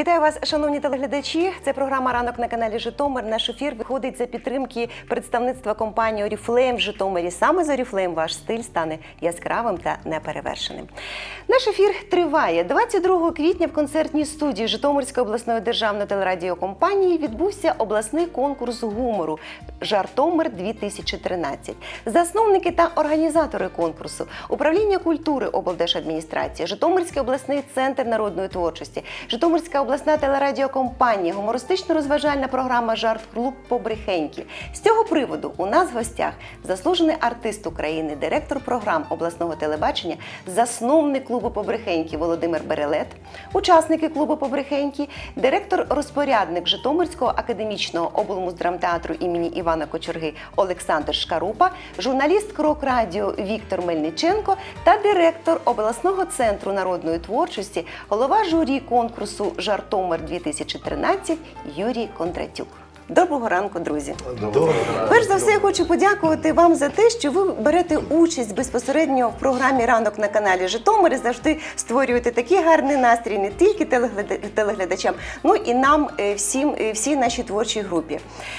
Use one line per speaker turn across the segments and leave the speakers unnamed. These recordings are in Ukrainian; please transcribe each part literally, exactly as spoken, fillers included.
Вітаю вас, шановні телеглядачі. Це програма «Ранок» на каналі Житомир. Наш ефір виходить за підтримки представництва компанії «Оріфлейм» в Житомирі. Саме з «Оріфлейм» ваш стиль стане яскравим та неперевершеним. Наш ефір триває. двадцять другого квітня в концертній студії Житомирської обласної державної телерадіокомпанії відбувся обласний конкурс гумору «Жартомир-дві тисячі тринадцять». Засновники та організатори конкурсу – Управління культури облдержадміністрації, Житомирський обласний центр народної творчості, Житомирська обласна телерадіокомпанія, гумористично-розважальна програма «Жарт-клуб Побрехеньки». З цього приводу у нас в гостях заслужений артист України, директор програм обласного телебачення, засновник клубу Побрехеньки Володимир Берелет, учасники клубу Побрехеньки, директор-розпорядник Житомирського академічного облмуздрамтеатру імені Івана Кочерги Олександр Шкарупа, журналіст «Крок Радіо» Віктор Мельниченко та директор обласного центру народної творчості, голова журі конкурсу «Жартомир-дві тисячі тринадцять» Юрій Кондратюк. Доброго ранку, друзі!
Доброго.
Перш за все, я хочу подякувати вам за те, що ви берете участь безпосередньо в програмі «Ранок» на каналі Житомир і завжди створюєте такий гарний настрій не тільки телеглядачам, ну і нам, всім, всій нашій творчій групі.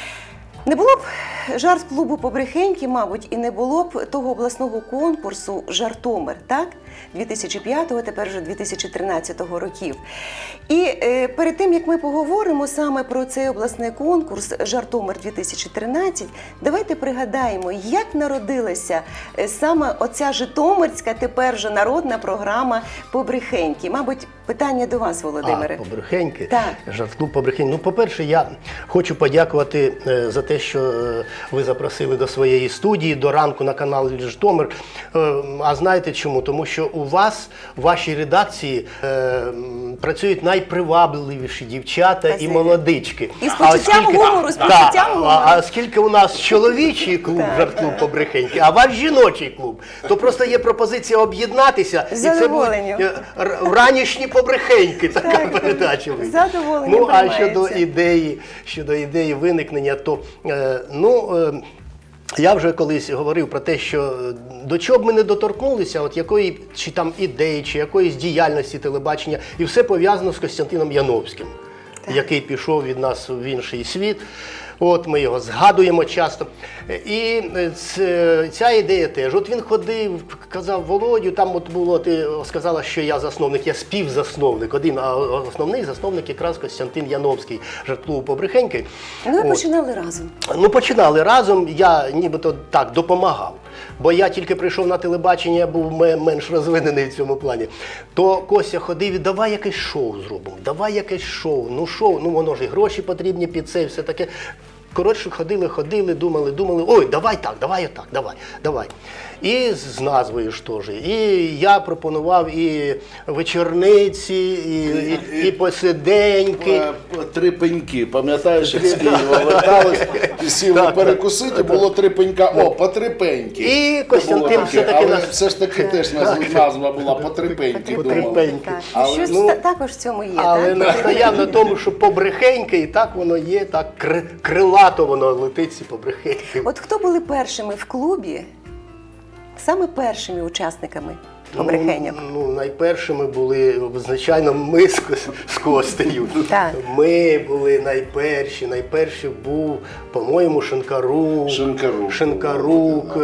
Не було б жарт-клубу Побрехеньки, мабуть, і не було б того обласного конкурсу «Жартомир», так? дві тисячі п'ятого, тепер вже дві тисячі тринадцятого років. І е, перед тим, як ми поговоримо саме про цей обласний конкурс «Жартомир-дві тисячі тринадцять», давайте пригадаємо, як народилася е, саме оця житомирська, тепер вже народна програма «Побрехеньки». Мабуть, питання до вас, Володимире.
А, «Побрехеньки»?
Так.
«Жартклуб Побрехеньки». Ну, по-перше, я хочу подякувати е, за те, що е, ви запросили до своєї студії, до ранку на каналі Житомир. Е, а знаєте чому? Тому що у вас, в вашій редакції, е, працюють найпривабливіші дівчата
Спасибі.
І молодички.
І з почуттям гумору, з почуттям гумору.
А, а скільки у нас чоловічий клуб «Жарт-клуб Побрехеньки», а ваш жіночий клуб, то просто є пропозиція об'єднатися. І це будуть ранішні побрехеньки, така
так,
передача вийде.
Задоволення
Ну, а щодо
приймається.
ідеї, щодо ідеї виникнення, то, е, ну, е, я вже колись говорив про те, що до чого б ми не доторкнулися, от якої чи там ідеї, чи якоїсь діяльності телебачення, і все пов'язано з Костянтином Яновським, так. який пішов від нас в інший світ. От ми його згадуємо часто. І ця ідея теж. От він ходив, казав Володю, там от було, ти сказала, що я засновник, я співзасновник. Один, а основний засновник якраз Костянтин Яновський, «Жарт-клубу Побрехеньки».
Ну, ви
от.
починали разом.
Ну, починали разом, я нібито так допомагав. Бо я тільки прийшов на телебачення, я був менш розвинений в цьому плані. То Костя ходив і давай якесь шоу зробимо, давай якесь шоу. Ну шоу, ну воно ж і гроші потрібні під це і все таке. Коротше, ходили, ходили, думали, думали, ой, давай так, давай отак, давай, давай. І з назвою ж теж. І я пропонував і вечорниці, і, і, і, і посиденьки.
Три пеньки, пам'ятаєш, як з Києва вертались, і сіли перекусити, було три пенька, о, по три пеньки.
І Костянтин все-таки...
Але
нас...
все ж таки теж назва була по три пеньки, думали.
Так. Щось
ну,
також в цьому є,
але
так?
настояв на тому, що побрехеньки, і так воно є, так крилато воно летить, ці побрехеньки.
От хто були першими в клубі, саме першими учасниками побрехеньок?
Ну, ну, найпершими були, звичайно, ми з, з Костею.
Так.
Ми були найперші. Найперший був, по-моєму, Шинкарук.
Шинкарук.
Шинкарук,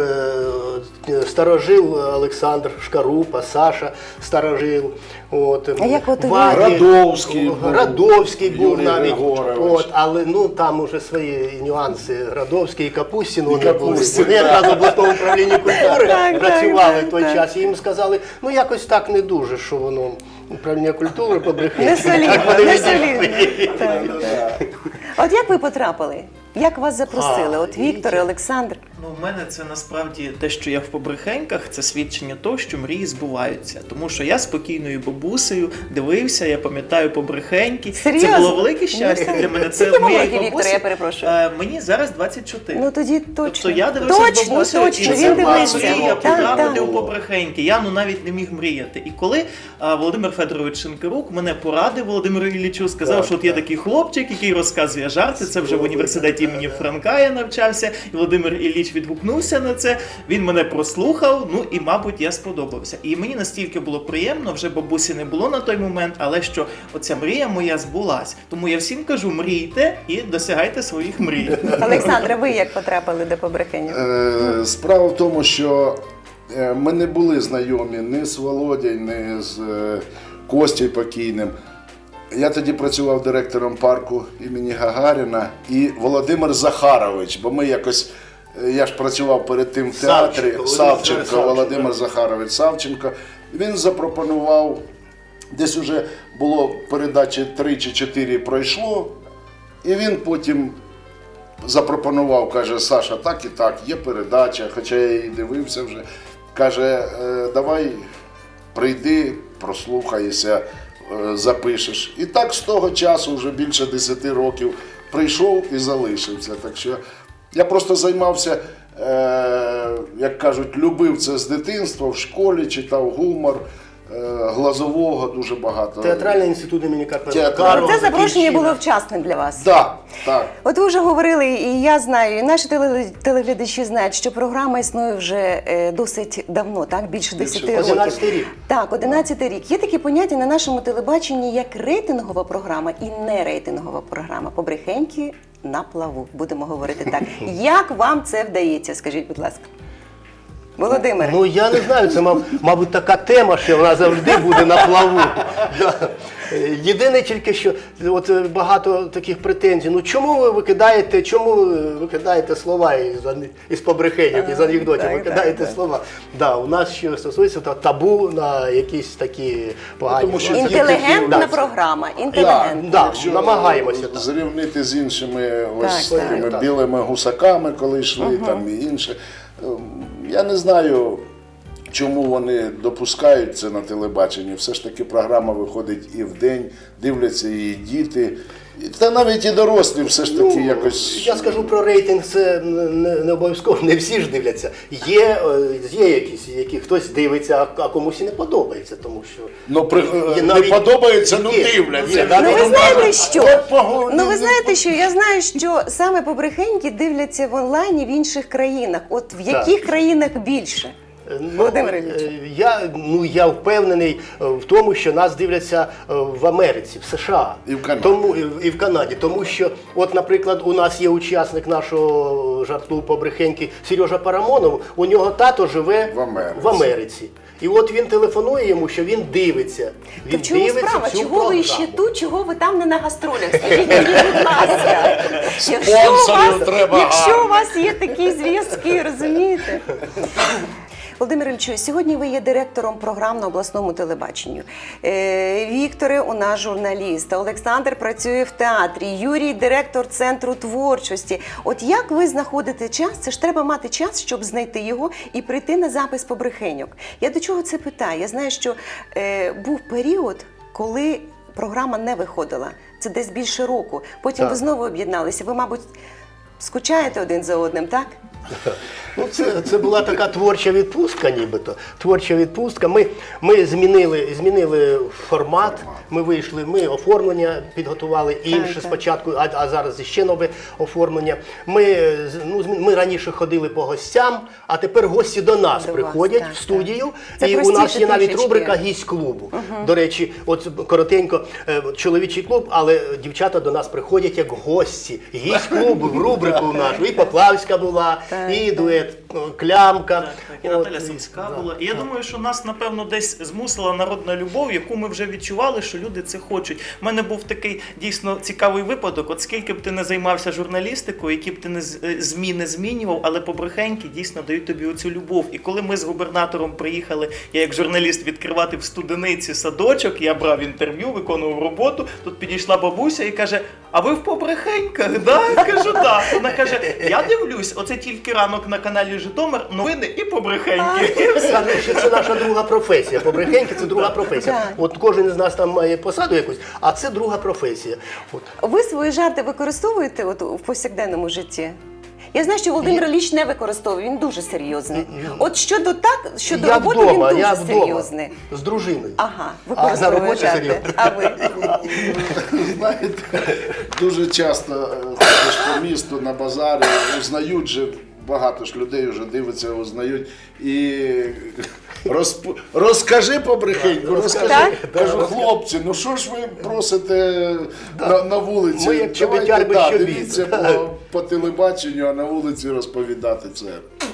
е, старожил Олександр Шкарупа, Саша старожил. От,
А як от
Ваді,
Радовський був.
Радовський був
Юрій
навіть.
Григорович.
От, але ну, там уже свої нюанси. Радовський і Капустін. Вони,
Капустін,
вони якраз в обласному управлінні культури
Так,
працювали
так,
в той
так.
час. І їм сказали, ну якось так не дуже, що воно управління культури побрехеньки.
Не солідно,
Так вони
не
відійшли.
солідно. Так, так. От як ви потрапили? Як вас запросили?
А,
От Віктор і Олександр?
Ну, в мене це насправді те, що я в побрехеньках, це свідчення того, що мрії збуваються. Тому що я спокійною бабусею дивився, я пам'ятаю побрехеньки.
Серйозно?
Це було велике щастя
Ну,
для мене. Це
скільки вам
моєї
років, Віктор,
бабусі.
я перепрошую?
Е, мені зараз двадцять чотири.
Ну тоді точно.
Тобто я дивився з
Точно,
бабусею,
точно,
і
він
це була
дивився.
мрія
Так,
потрапити
так.
у побрехеньки. Я ну навіть не міг мріяти. І коли а, Володимир Федорович Шинкарук мене порадив Володимиру Іллічу, сказав,
Так,
що от є
так.
такий хлопчик, який розказує жарти, це вже в університеті університеті імені Франка я навчався, і Володимир Ілліч відгукнувся на це, він мене прослухав, ну і, мабуть, я сподобався. І мені настільки було приємно, вже бабусі не було на той момент, але що оця мрія моя збулась. Тому я всім кажу, мрійте і досягайте своїх мрій.
Олександре, ви як потрапили до Побрехенів?
Е, Справа в тому, що е, ми не були знайомі ні з Володєю, ні з е, Костю покійним. Я тоді працював директором парку імені Гагаріна і Володимир Захарович, бо ми якось, е, я ж працював перед тим в театрі,
Савченко,
Савченко,
Володимир
Володимир Захарович Савченко. Він запропонував, десь уже було передачі три чи чотири пройшло, і він потім запропонував, каже, Саша, так і так, є передача, хоча я її дивився вже. Каже, «Е, давай прийди, прослухайся, е, запишеш. І так з того часу, вже більше десяти років, прийшов і залишився. Так що я просто займався, е, як кажуть, любив це з дитинства, в школі читав гумор, е, Глазового дуже багато.
Театральний інститут імені Карпенка.
Театральний.
Це запрошення було вчасне для вас.
Так, так.
От ви вже говорили, і я знаю, і наші теле- телеглядачі знають, що програма існує вже е, досить давно, так? Більше десяти років.
одинадцятий рік.
Так, одинадцятий рік. Є такі поняття на нашому телебаченні, як рейтингова програма і нерейтингова програма. Побрехеньки на плаву, будемо говорити так. Як вам це вдається, скажіть, будь ласка? Володимир.
Ну я не знаю, це мав- мабуть така тема, що вона завжди буде на плаву. Да. Е, Єдине тільки, що от е, багато таких претензій. Ну чому ви викидаєте, чому ви викидаєте слова із, ан- із побрехенів, із анекдотів,
так,
викидаєте
так, так.
слова. Да, у нас що стосується та- табу на якісь такі погані.
тому що
слова.
Інтелігентна
Да.
програма.
Так,
Інтелігентна.
да.
якщо
намагаємося, так.
зрівнити з іншими ось
Так,
такими
так.
білими гусаками, коли йшли, там і інше. Ем, Я не знаю, чому вони допускають це на телебаченні. Все ж таки програма виходить і вдень, дивляться її діти. І- Та навіть і дорослі все ж таки
Ну,
якось.
Я скажу про рейтинг, це не, не обов'язково, не всі ж дивляться. Є, е, є якісь, які хтось дивиться, а, а комусь і не подобається, тому що...
Ну, при,
Є
не
навіть-
подобається, ну
є,
дивляться.
є,
Ну ви
навіть-
знаєте що?
От погоди,
Ну ви
ну,
знаєте що? Я знаю, що саме побрехеньки дивляться в онлайні в інших країнах. От в яких країнах більше?
Ну,
Володимир Ілліч.
е, я, ну, я впевнений е, в тому, що нас дивляться е, в Америці, в США.
І в Канаді.
Тому, і в Канаді. Тому що, от, наприклад, у нас є учасник нашого жарт-клубу побрехеньки Сережа Парамонов, у нього тато живе
В Америці.
в Америці. І от він телефонує йому, що він дивиться.
То
Він
в чому
дивиться
справа?
цю
Чого
програму.
ви ще тут, чого ви там не на гастролях? Скажіть мені, будь ласка. Якщо у
Спонсорів
вас,
треба
якщо
гарно.
у вас є такі зв'язки, розумієте? Володимир Іллічу, сьогодні ви є директором програм на обласному телебаченню. Е, Вікторе у нас журналіст, Олександр працює в театрі, Юрій директор Центру творчості. От як ви знаходите час? Це ж треба мати час, щоб знайти його і прийти на запис побрехеньок. Я до чого це питаю? Я знаю, що е, був період, коли програма не виходила. Це десь більше року. Потім
Так.
ви знову об'єдналися. Ви, мабуть, скучаєте один за одним, так?
Ну, це, це була така творча відпустка, нібито. Творча відпустка. Ми, ми змінили, змінили формат, ми вийшли, ми оформлення підготували інше
так.
спочатку, а, а зараз ще нове оформлення. Ми, з- ну, змі- ми раніше ходили по гостям, а тепер гості до нас
До вас,
приходять
так,
в студію.
так. Це
І у нас
простіше
є навіть
трішечки.
рубрика «Гість клубу». До речі, от коротенько, е, чоловічий клуб, але дівчата до нас приходять як гості. Гість клубу в рубрику нашу. І Поплавська була,
Так,
і дует ну, Клямка.
Так, так, і
От,
Наталя Сумська
да.
була. І я думаю, що нас, напевно, десь змусила народна любов, яку ми вже відчували, що люди це хочуть. У мене був такий дійсно цікавий випадок. От скільки б ти не займався журналістикою, які б ти не з- е, ЗМІ не змінював, але побрехеньки дійсно дають тобі оцю любов. І коли ми з губернатором приїхали, я як журналіст відкривати в Студениці садочок, я брав інтерв'ю, виконував роботу, тут підійшла бабуся і каже: а ви в побрехеньках, да? Я кажу, так. Вона каже, я дивлюсь, оце тільки ранок на каналі Житомир, новини і побрехеньки.
Кажуть, що це наша друга професія. Побрехеньки – це друга професія.
Так.
От кожен із нас там має посаду якусь, а це друга професія. От.
Ви свої жарти використовуєте от в повсякденному житті? Я знаю, що Володимир Ілліч не використовує, він дуже серйозний. От щодо так, щодо
Я
роботи
вдома,
він дуже
я вдома,
серйозний.
з дружиною.
Ага,
А на
використовує
роботі
жарти.
серйозно.
А ви?
знаєте, дуже часто е, ходиш по місту, на базарі, узнають же, багато ж людей вже дивиться, узнають. І розп... розкажи побрехеньку, розкажи.
Так?
Кажу, хлопці, ну що ж ви просите на, на вулиці?
Ми як
Давайте,
чобітяр без
да,
чобіт.
дивіться по, по телебаченню, а на вулиці розповідати це.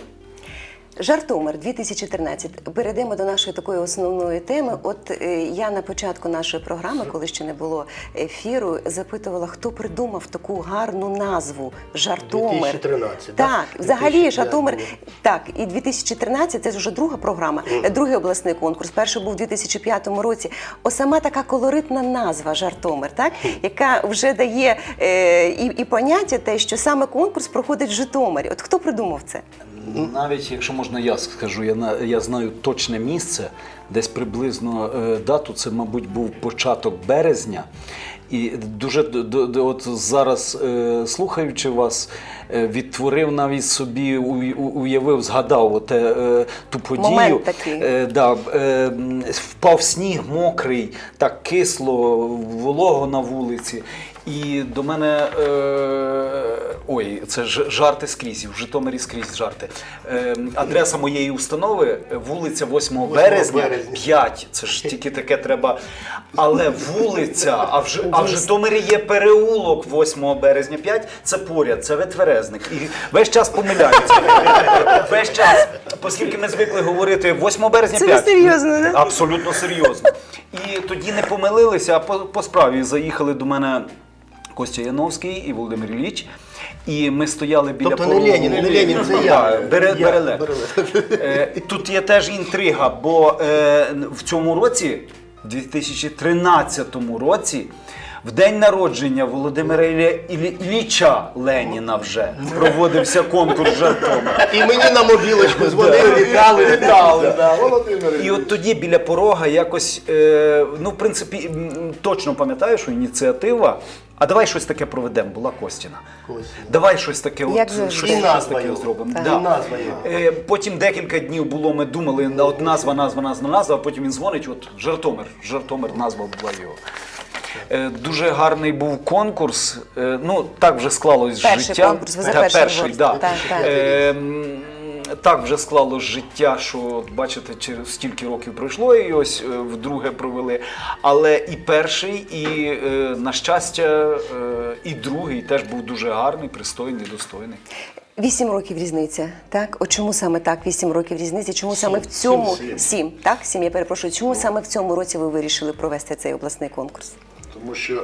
Жартомир дві тисячі тринадцять. Перейдемо до нашої такої основної теми. От е, я на початку нашої програми, коли ще не було ефіру, запитувала, хто придумав таку гарну назву Жартомир.
дві тисячі тринадцять, да?
Так, взагалі
дві тисячі
Жартомир.
було.
Так, і дві тисячі тринадцять це вже друга програма, mm. другий обласний конкурс. Перший був у дві тисячі п'ятому році. О, сама така колоритна назва Жартомир, так, яка вже дає е, і, і поняття те, що саме конкурс проходить в Житомирі. От хто придумав це?
Навіть, якщо можна, я скажу, я, на- я знаю точне місце, десь приблизно е, дату, це, мабуть, був початок березня. І дуже д- д- д- от зараз, е, слухаючи вас, е, відтворив навіть собі, у- у- уявив, згадав оте, е, ту подію.
Момент такий.
Е, да, е, м, впав сніг мокрий, так кисло, волого на вулиці. І до мене, е, ой, це ж жарти скрізь, в Житомирі скрізь жарти. Е, адреса моєї установи, вулиця восьмого березня,
березня.
п'ять, це ж тільки таке треба. Але вулиця, а в, Ж- а в Житомирі є переулок восьмого березня, п'ять, це поряд, це Ветверезник. І весь час помиляються. Весь час, оскільки ми звикли говорити восьмого березня,
Це ви
п'ять.
серйозно, да?
Абсолютно серйозно. І тоді не помилилися, а по, по справі заїхали до мене Костя Яновський і Володимир Ілліч. І ми стояли біля
Тобто не
порогу.
Ленін, не Ленін, це я.
Так, Бере,
Я,
Береле.
Береле.
Е, Тут є теж інтрига, бо е, в цьому році, в дві тисячі тринадцятому році, в день народження Володимира Ілля- Іллі- Ілліча Леніна вже проводився конкурс Жартомир.
І мені на мобілочку дзвонили, вітали.
Вітали, да.
Володимир
І от тоді біля порога якось, е, ну, в принципі, м, точно пам'ятаю, що ініціатива, а давай щось таке проведемо, була Костіна.
Костіна.
Давай щось таке,
Як
от,
завжди.
щось,
І
щось
назва
таке
його.
зробимо.
Так.
Да.
І назва його.
Е, Потім декілька днів було, ми думали, на- от назва, назва, назва, назва, а потім він дзвонить, от Жартомир, Жартомир, назва була його. Е, Дуже гарний був конкурс. Е, Ну, так вже склалось
Перший
життя.
конкурс, ви за
Та,
перший
перший,
говорите.
да.
Так, так.
Е, м, Так вже склалось життя, що, от бачите, через стільки років пройшло і ось е, вдруге провели. Але і перший, і, е, на щастя, е, і другий теж був дуже гарний, пристойний, достойний.
Вісім років різниця, так? От чому саме так? Вісім років різниці? Чому саме в цьому
сім.
сім? Так, сім. Я перепрошую. Чому саме в цьому році ви вирішили провести цей обласний конкурс?
Тому що,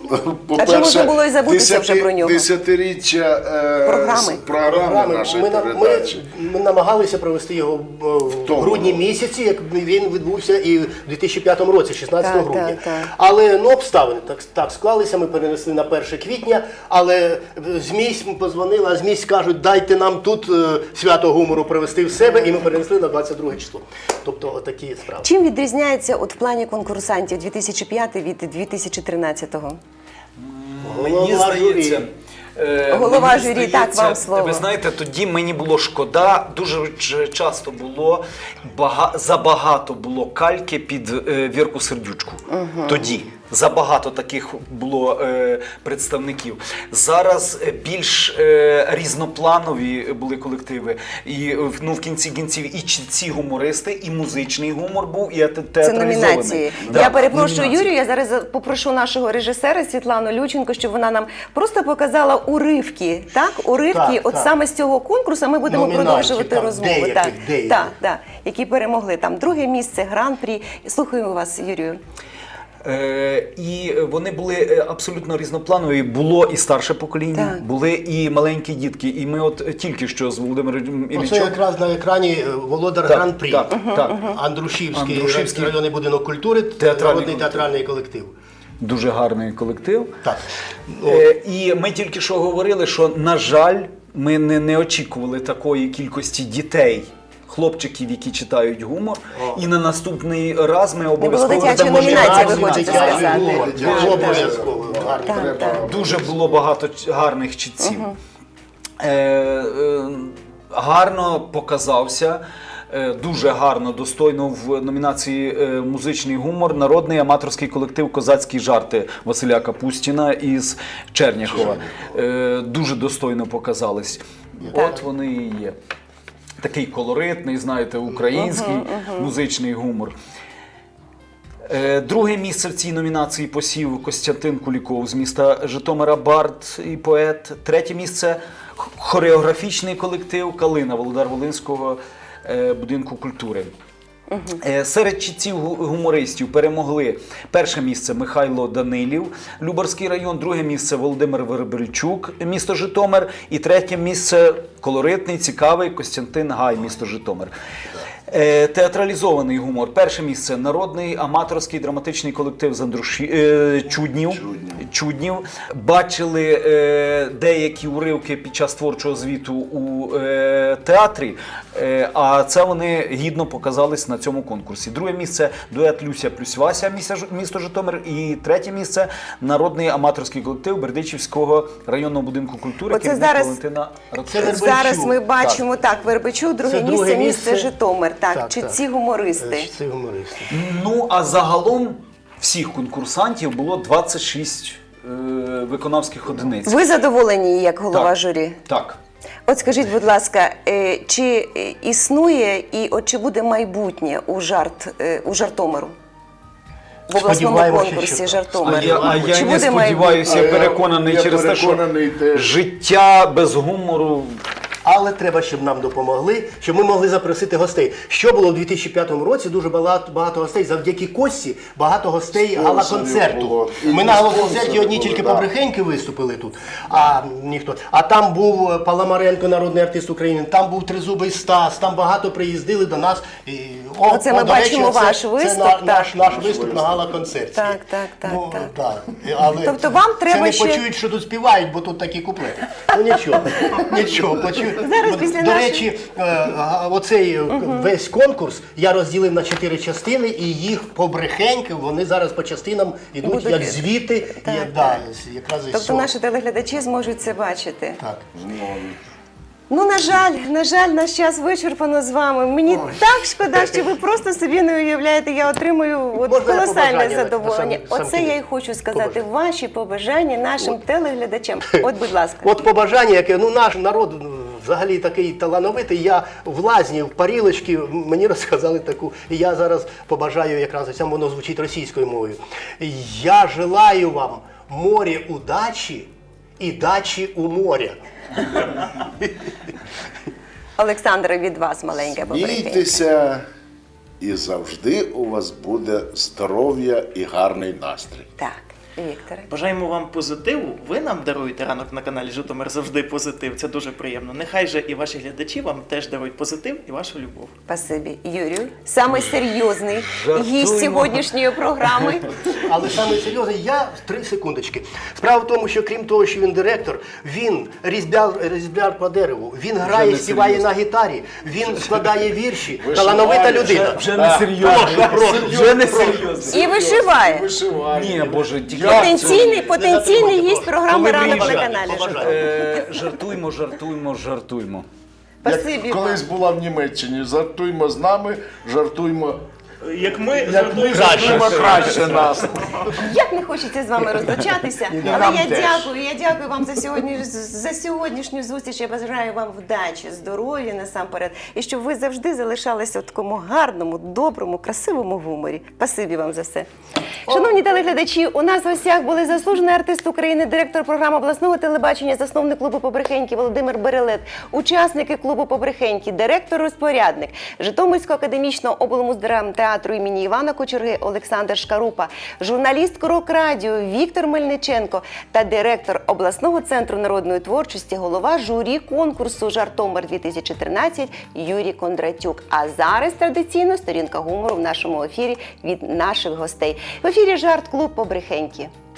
А чи можна було і забутися вже про нього?
Десятиріччя е,
Програми.
з програми нашої
ми, на- ми,
передачі.
ми намагалися провести його е, в
тому
грудні
році.
місяці, як він відбувся і в дві тисячі п'ятому році, шістнадцятого
Так,
грудня.
так, так.
Але ну, обставини так, так склалися, ми перенесли на перше квітня, але ЗМІ позвонили, а ЗМІ кажуть, дайте нам тут е, свято гумору привести в себе, і ми перенесли на двадцять друге число. Тобто отакі справи.
Чим відрізняється от в плані конкурсантів дві тисячі п'ятий від дві тисячі тринадцятого?
Мені
Голова
здається.
журі.
е,
Голова
мені
журі,
здається,
так, вам слово.
Ви знаєте, тоді мені було шкода, дуже ч- часто було, бага, забагато було кальки під е, Вірку Сердючку. Тоді. Забагато таких було е, представників. Зараз е, більш е, різнопланові були колективи. І е, в- ну, в кінці кінців і чітці гумористи, і музичний гумор був, і те-
Це
театралізований.
номінації.
Да,
Я перепрошую
номінації.
Юрію, я зараз за- попрошу нашого режисера Світлану Люченко, щоб вона нам просто показала уривки, так? Уривки
Так,
от
так.
саме з цього конкурсу, ми будемо
Номінантів,
продовжувати
там,
розмову.
деяких,
так,
деяких.
так, так, які перемогли. Там друге місце, гран-прі. Слухаю вас, Юрію.
Е, І вони були е, абсолютно різнопланові. Було і старше покоління,
Так.
були і маленькі дітки. І ми от тільки що з Володимиром
Оце
Іллічем.
якраз на екрані е, володар
Так,
Гран-прі.
так, так.
Андрушівський,
Андрушівський
районний будинок культури,
театральний
народний
колектив.
театральний колектив.
Дуже гарний колектив.
Так.
Е, І ми тільки що говорили, що, на жаль, ми не, не очікували такої кількості дітей. Хлопчиків, які читають гумор, і на наступний раз ми обов'язково
дитячої
дамо
номінації,
ще
ви
номінацію.
хочете сказати.
Гумор,
Дитячий
це обов'язково. Гарно.
Так,
Треба
так.
Дуже було багато ч- гарних чітців. Е, е, гарно показався е, дуже гарно, достойно в номінації е, «Музичний гумор» народний аматорський колектив «Козацькі жарти» Василя Капустіна із Черняхова. Е, дуже достойно показались. От вони і є. Такий колоритний, знаєте, український музичний гумор. Е, Друге місце в цій номінації посів Костянтин Куліков з міста Житомира, бард і поет. Третє місце – хореографічний колектив «Калина» Володар-Волинського е, будинку культури. Е, Серед читців гу- гумористів перемогли перше місце Михайло Данилів, Любарський район, друге місце Володимир Вербельчук, місто Житомир, і третє місце колоритний, цікавий Костянтин Гай, місто Житомир. Е, Театралізований гумор. Перше місце народний аматорський драматичний колектив з Андруші... е, Чуднів. Чуднів. Бачили е, деякі уривки під час творчого звіту у е, театрі, е, а це вони гідно показались на цьому конкурсі. Друге місце дует Люся плюс Вася, місто, Ж- місто Житомир, і третє місце народний аматорський колектив Бердичівського районного будинку культури.
Оце
керівник
зараз-
Валентина
Це
Радчук.
Вербельчук.
Зараз ми бачимо, так, Вербичук, друге
Це
місце,
друге
місце
місце.
Житомир. Так,
Так,
чи
так.
ці гумористи?
Е, Це гумористи.
Ну, а загалом всіх конкурсантів було двадцять шість е, виконавських одиниць.
Ви задоволені як голова
Так.
журі?
Так.
От скажіть, будь ласка, е, чи е, існує і от чи буде майбутнє у жарт у Жартомиру? В обласному
Сподіваємося,
конкурсі
що так.
Жартомир.
А я, а я
Чи
не
буде
сподіваюся, я
майбутнє?
переконаний
Я
через те, що
переконаний теж.
життя без гумору.
Але треба, щоб нам допомогли, щоб ми могли запросити гостей. Що було в дві тисячі п'ятому році? Дуже багато, багато гостей. Завдяки Кості багато гостей
Спонсорів
гала-концерту.
було. І
Ми на гала-концерті
спонсори
одні
були,
тільки
да.
побрехеньки виступили тут, а ніхто. А там був Паламаренко, народний артист України, там був Тризубий Стас, там багато приїздили до нас. І, о,
Оце ми
до речі,
бачимо
оце-
ваш
це
виступ,
на-
так.
наш, наш виступ на гала-концерті.
Так, так, так,
Ну,
так.
так. Але
Тобто вам треба
це не
ще-
почують, що тут співають, бо тут такі куплети. Ну нічого, нічого, почують.
Зараз
Бо,
після
До
нашої-
речі, е, а, оцей е, весь конкурс я розділив на чотири частини, і їх побрехеньки, вони зараз по частинам йдуть
Будуть-
як звіти,
Так,
як,
так.
да, з- якраз із
Тобто
цього.
наші телеглядачі зможуть це бачити.
Так.
Ну, на жаль, на жаль, наш час вичерпано з вами. Мені так шкода, що ви просто собі не уявляєте, я отримую от
Можна я
колосальне
побажання на-
задоволення.
на сам- сам
Оце я й
кінець?
хочу сказати,
Побажання.
ваші побажання нашим телеглядачам. От, будь ласка.
От побажання, яке ну наш народ ну, взагалі такий талановитий. Я в лазні, в парілочці, мені розказали таку. І я зараз побажаю, якраз сам воно звучить російською мовою. Я желаю вам моря удачі і дачі у моря.
Олександре, від вас маленьке побрехенье.
Смійтеся, і завжди у вас буде здоров'я і гарний настрій.
Так, Вікторе.
Бажаємо вам позитиву. Ви нам даруєте ранок на каналі Житомир завжди позитив. Це дуже приємно. Нехай же і ваші глядачі вам теж дарують позитив і вашу любов.
Спасибі. Юрію, самий серйозний
Жартуємо.
гість сьогоднішньої програми.
Але саме серйозно, я три секундочки. Справа в тому, що крім того, що він директор, він різьбяр, різьбяр по дереву, він грає,
не
співає
серйозно.
на гітарі, він складає вірші, талановита людина.
Вже не серйозно. Вже не серйозно.
І вишиває.
Вишивання.
Ні, Боже, тільки
Потенційний, потенційний
затримуйте
гість
просто.
програми
Коли
«Ранок на
приїжджає,
каналі
побажаю.
Житомир».
Е, жартуймо, жартуймо, жартуймо.
Спасибі
Як
вам.
колись була в Німеччині, жартуймо з нами, жартуймо,
Як ми
як ми жартуємо краще нас.
Як не хочеться з вами розлучатися, але
нам
я
теж.
дякую. Я дякую вам за сьогодні за сьогоднішню зустріч. Я бажаю вам вдачі, здоров'я насамперед, і щоб ви завжди залишалися в такому гарному, доброму, красивому гуморі. Спасибі вам за все. Шановні телеглядачі, у нас в гостях були заслужений артист України, директор програми обласного телебачення, засновник клубу Побрехеньки Володимир Берелет, учасники клубу Побрехеньки, директор-розпорядник Житомирського академічного облмуздрамтеатру імені Івана Кочерги Олександр Шкарупа, журналіст Крок Радіо Віктор Мельниченко та директор обласного центру народної творчості, голова журі конкурсу «Жартомир-дві тисячі тринадцять» Юрій Кондратюк. А зараз традиційно сторінка гумору в нашому ефірі від наших гостей. В ефірі «Жарт-клуб Побрехеньки».